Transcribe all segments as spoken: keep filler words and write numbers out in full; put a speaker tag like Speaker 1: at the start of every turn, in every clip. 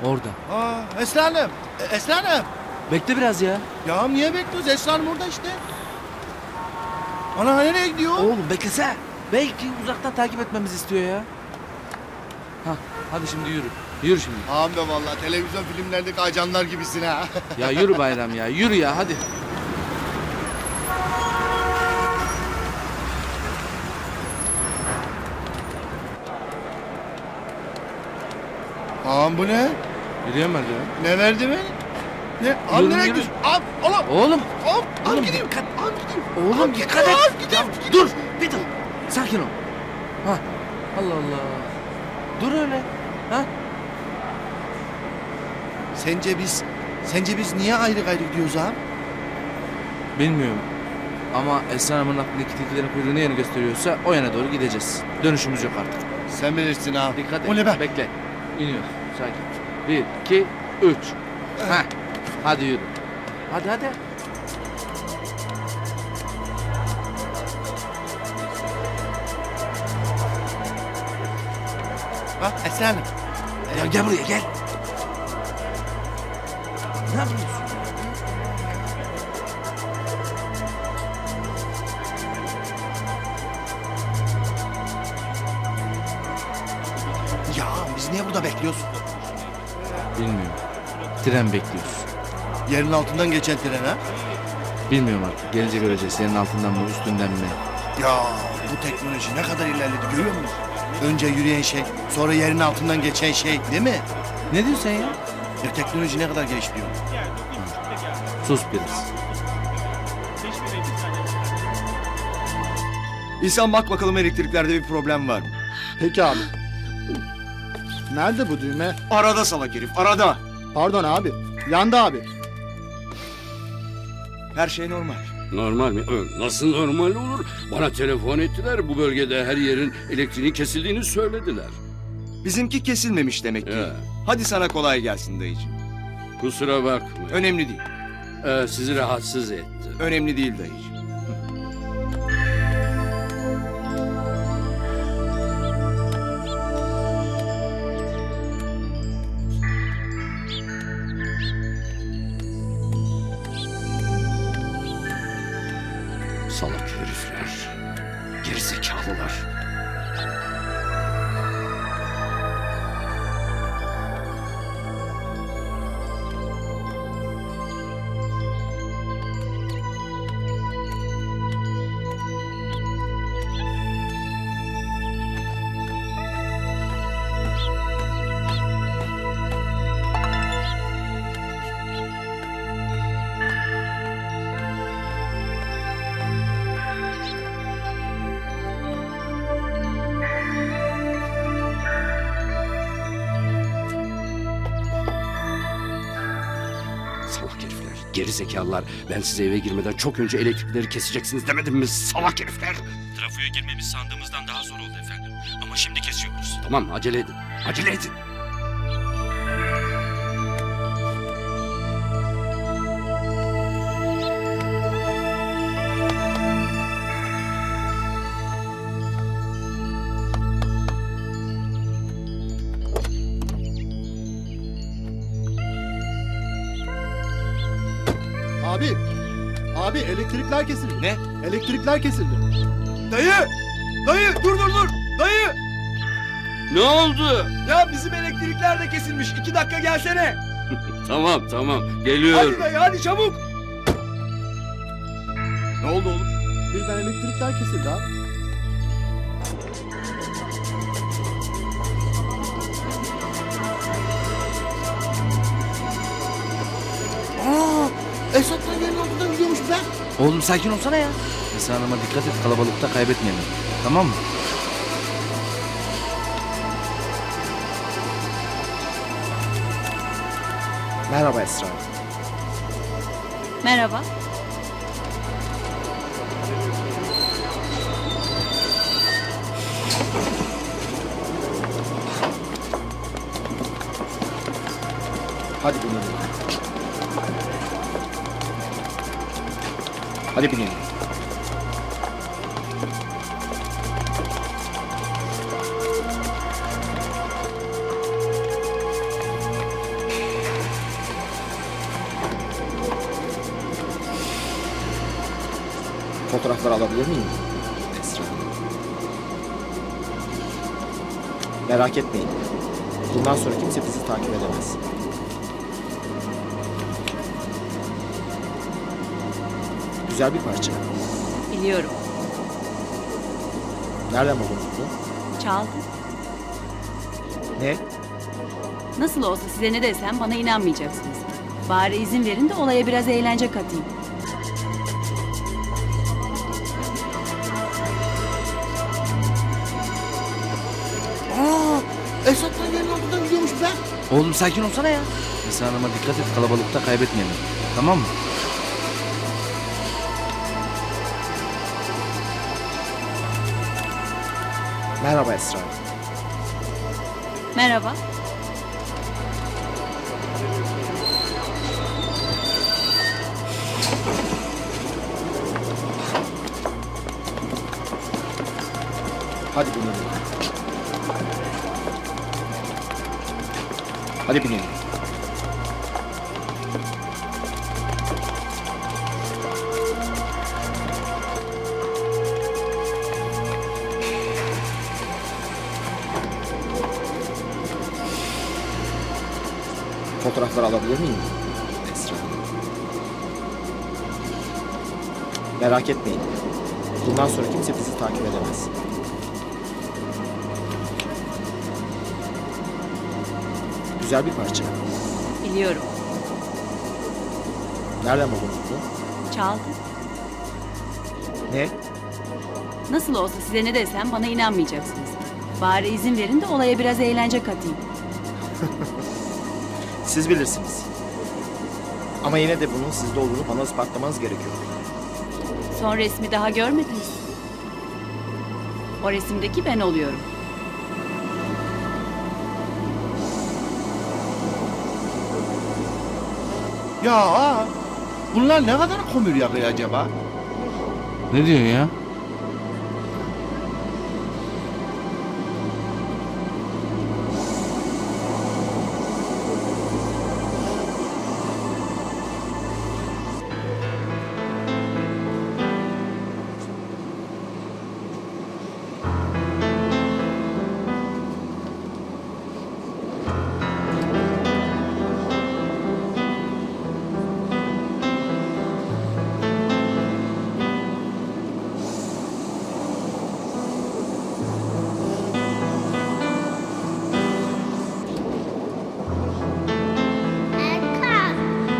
Speaker 1: Orada.
Speaker 2: Aa, Esra Hanım. E, Esra Hanım.
Speaker 1: Bekle biraz ya.
Speaker 2: Ya niye bekliyoruz? Esra Hanım orada işte. Ana nereye gidiyor?
Speaker 1: Oğlum beklese. Belki uzaktan takip etmemizi istiyor ya. Hah, hadi şimdi yürü. Yürü şimdi.
Speaker 2: Ağam be vallahi televizyon filmlerdeki ajanlar gibisin ha.
Speaker 1: Ya yürü Bayram ya. Yürü ya hadi.
Speaker 2: Ağam bu ne?
Speaker 1: Yürüyen merdiven.
Speaker 2: Ne verdi mi? Ne? Ağam
Speaker 1: Yürü,
Speaker 2: nereye
Speaker 1: yürü.
Speaker 2: gidiyorsun? Ağam, oğlum.
Speaker 1: Oğlum.
Speaker 2: Ağam, ağam
Speaker 1: Oğlum,
Speaker 2: gideyim.
Speaker 1: dikkat.
Speaker 2: Ağam gideyim.
Speaker 1: Oğlum
Speaker 2: Ağam
Speaker 1: dikkat
Speaker 2: gideyim,
Speaker 1: et.
Speaker 2: ağam gideyim,
Speaker 1: Ya,
Speaker 2: gideyim.
Speaker 1: dur. Bir dur. Sakin ol. Ha. Allah Allah. Dur öyle. Ha?
Speaker 2: Sence biz, sence biz niye ayrı gayrı gidiyoruz ağam?
Speaker 1: Bilmiyorum. Ama Esra Hanım'ın aklındaki tilkilerin kuyruğu ne yönü gösteriyorsa o yana doğru gideceğiz. Dönüşümüz yok artık.
Speaker 2: Sen bilirsin ağam.
Speaker 1: Dikkat et.
Speaker 2: O ne be?
Speaker 1: Bekle. İniyoruz. Sakin. Bir, iki, üç. Heh. Hadi yürü. Hadi hadi.
Speaker 2: Bak Esra Hanım.
Speaker 1: Ya gel buraya gel. Ne yapıyorsun?
Speaker 2: Ya biz niye burada bekliyoruz?
Speaker 1: Bilmiyorum. Tren bekliyoruz.
Speaker 2: Yerin altından geçen tren ha?
Speaker 1: Bilmiyorum artık. Gelince göreceğiz. Senin altından mı üstünden mi?
Speaker 2: Ya bu teknoloji ne kadar ilerledi görüyor musun? Önce yürüyen şey, sonra yerin altından geçen şey değil mi?
Speaker 1: Ne diyorsun sen ya?
Speaker 2: Ya teknoloji ne kadar gelişiyor?
Speaker 1: Sus biraz.
Speaker 3: İhsan bak bakalım elektriklerde bir problem var mı?
Speaker 4: Peki abi. Nerede bu düğme?
Speaker 3: Arada salak herif, arada.
Speaker 4: Pardon abi. Yandı abi.
Speaker 3: Her şey normal.
Speaker 5: Normal mi? Ö, Nasıl normal olur? Bana telefon ettiler. Bu bölgede her yerin elektriğinin kesildiğini söylediler.
Speaker 3: Bizimki kesilmemiş demek ki.
Speaker 5: Ya.
Speaker 3: Hadi sana kolay gelsin dayıcığım.
Speaker 5: Kusura bakma.
Speaker 3: Önemli değil.
Speaker 5: Ee, sizi rahatsız ettim.
Speaker 3: Önemli değil dayıcığım.
Speaker 5: Salak herifler. Gerizekalılar. Salak herifler. Gerizekalılar. Ben size eve girmeden çok önce elektrikleri keseceksiniz demedim mi? Salak herifler.
Speaker 6: Trafoya girmemiz sandığımızdan daha zor oldu efendim. Ama şimdi kesiyoruz.
Speaker 5: Tamam acele edin. Acele edin.
Speaker 4: Abi. Abi elektrikler kesildi.
Speaker 3: Ne?
Speaker 4: Elektrikler kesildi.
Speaker 3: Dayı! Dayı dur dur dur! Dayı!
Speaker 5: Ne oldu?
Speaker 3: Ya bizim elektrikler de kesilmiş. İki dakika gelsene.
Speaker 5: Tamam tamam. Geliyorum.
Speaker 3: Hadi dayı hadi çabuk. Ne oldu oğlum?
Speaker 4: Birden elektrikler kesildi abi.
Speaker 2: Aa, Esat'tan yerin altından gidiyormuş be.
Speaker 1: Oğlum sakin olsana ya. Esra Hanım'a dikkat et. Kalabalıkta kaybetmeyelim. Tamam mı?
Speaker 4: Merhaba Esra.
Speaker 7: Merhaba.
Speaker 4: Hadi binelim. Hadi binelim. Fotoğrafları alabilir miyim? Esra. Merak etmeyin. Bundan sonra kimse bizi takip edemez. Güzel bir parça.
Speaker 7: Biliyorum.
Speaker 4: Nereden buldunuz bunu?
Speaker 7: Çaldım.
Speaker 4: Ne?
Speaker 7: Nasıl olsa size ne desem bana inanmayacaksınız. Bari izin verin de olaya biraz eğlence katayım.
Speaker 2: Aa, Esat'tan yerin altından gidiyormuş be.
Speaker 1: Oğlum sakin olsana ya. Esra Hanım'a dikkat et, kalabalıkta kaybetmeyelim. Tamam mı?
Speaker 4: Merhaba Esra.
Speaker 7: Merhaba.
Speaker 4: Hadi binelim. Hadi binelim. Fotoğrafları alabilir miyim? Esra. Merak etmeyin. Bundan sonra kimse bizi takip edemez. Güzel bir parça.
Speaker 7: Biliyorum.
Speaker 4: Nereden buldunuz bunu?
Speaker 7: Çaldım.
Speaker 4: Ne?
Speaker 7: Nasıl olsa size ne desem bana inanmayacaksınız. Bari izin verin de olaya biraz eğlence katayım.
Speaker 4: Siz bilirsiniz. Ama yine de bunun sizde olduğunu bana ispatlamanız gerekiyor.
Speaker 7: Son resmi daha görmediniz. O resimdeki ben oluyorum.
Speaker 2: Ya aa, bunlar ne kadar komür yakıyor acaba?
Speaker 1: Ne diyorsun ya?
Speaker 8: Erkan,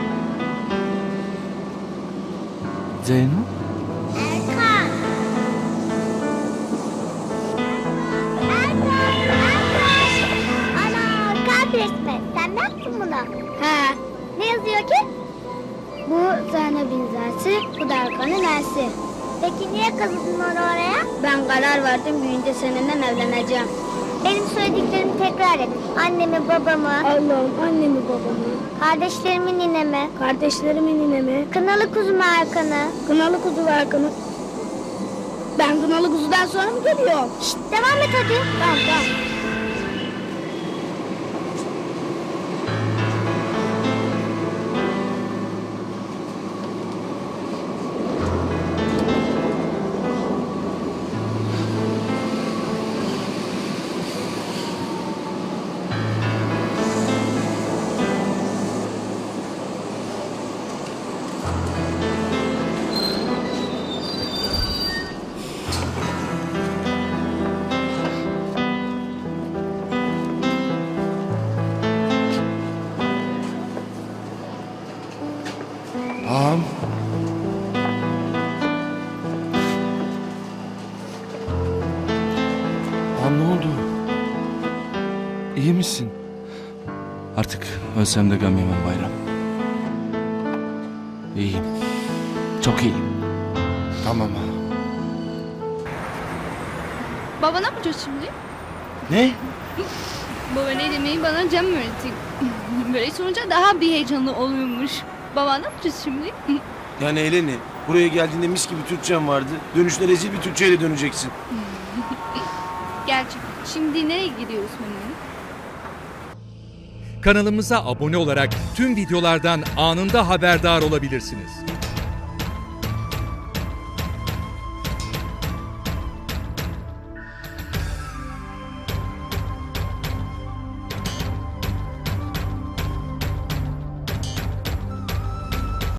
Speaker 1: Zeyno?
Speaker 8: Erkan. Erkan, Erkan. Ana, kalp resmi. Sen mi yaptın bunu? He. Ne yazıyor ki? Bu Zeynep'in zersi, bu da Erkan'ın ersi. Peki niye kazıdın onu oraya? Ben karar verdim, büyüyünce seninle evleneceğim. Benim söylediklerimi tekrar et. Annemi, babamı. Allah'ım, annemi, babamı. Kardeşlerimi, ninemi. Kardeşlerimi, ninemi. Kınalı kuzumu, Erkan'ı. Kınalı kuzu Erkan'ı. Ben kınalı kuzudan sonra mı geliyorum? Şşt, devam et hadi. Tamam, tamam.
Speaker 2: Ağam.
Speaker 1: Ağam ne oldu? İyi misin? Artık ölsem de gam yemem Bayram. İyiyim. Çok iyiyim.
Speaker 2: Tamam ağam.
Speaker 9: Baba ne yapacağız şimdi?
Speaker 2: Ne?
Speaker 9: Baba ne demeyi bana Cem öğretti. Böyle sorunca daha bir heyecanlı oluyormuş. Baba ne yapacağız şimdi?
Speaker 3: Yani Eleni, buraya geldiğinde mis gibi Türkçen vardı. Dönüşte rezil bir Türkçeyle döneceksin.
Speaker 9: Gerçi şimdi nereye gidiyoruz Memnun?
Speaker 10: Kanalımıza abone olarak tüm videolardan anında haberdar olabilirsiniz.